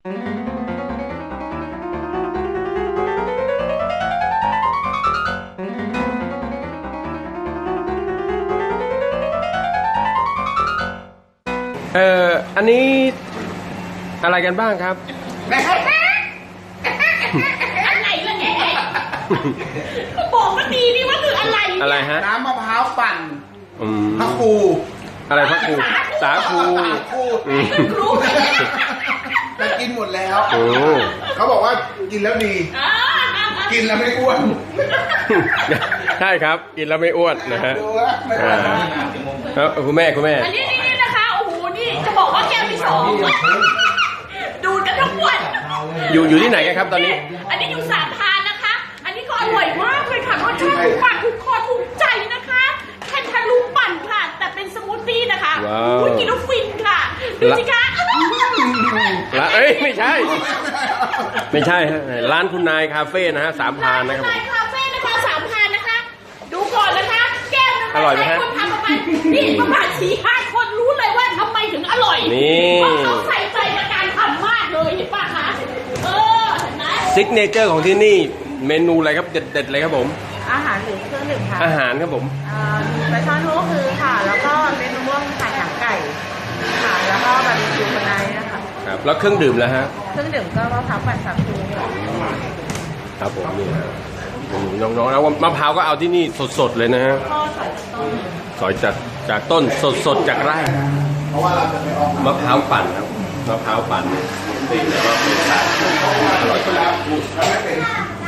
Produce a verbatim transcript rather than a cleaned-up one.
เอ่ออันนี้อะไรกันบ้างครับอะไรล่ะแกบอกมาดีนี่ว่าคืออะไรอะไรฮะน้ำมะพร้าวปั่นพระครูอะไรพระครูสาคูครูแต่กินหมดแล้วเขาบอกว่ากินแล้วดีกินแล้วไม่อ้วนใช่ครับกินแล้วไม่อ้วนนะฮะครับคุณแม่คุณแม่อันนี้นี่นะคะโอ้โหนี่จะบอกว่าแก้วที่สองดูกันทั้งวันอยู่อยู่ที่ไหนกันครับตอนนี้อันนี้อยู่สามพานนะคะอันนี้ก็อร่อยมากเลยค่ะรสชาติถูกปากถูกคอถูกใจนะคะแคนทาลูปปั่นค่ะแต่เป็นสมูทตี้นะคะอุ้ยกินแล้วฟินค่ะดูสิคะละเอ้ยไม่ใช่ไม่ใช่ฮะร้านคุณนายคาเฟ่นะฮะสามพานนะครับคุณนายคาเฟ่นะคะสามพานนะคะดูก่อนนะคะแก้วนึงอร่อยไหมฮะคนทำประมาณนี่ประมาณสี่ห้าคนรู้เลยว่าทำไมถึงอร่อยนี่เพราะเขาใส่ใจในการทำมากเลยเห็นป่ะคะเออเห็นไหมซิกเนเจอร์ของที่นี่เมนูอะไรครับเด็ดๆเลยครับผมอาหารหรือเครื่องดื่มค่ะอาหารครับผมปลาช่อนโฮคือค่ะแล้วก็เมนูม่วงค่ะหนังไก่ค่ะแล้วก็บาร์บีคิวคนไนนะคะครับแล้วเครื่องดื่มแล้วฮะเครื่องดื่มก็มะพร้าวปั่นสาคูครับผมนี่ฮะน้องๆแล้วมะพร้าวก็เอาที่นี่สดๆเลยนะฮะสอยจากจากต้นสดๆจากไร่มะพร้าวปั่นครับมะพร้าวปั่นตีแล้วก็เป็นสารอร่อย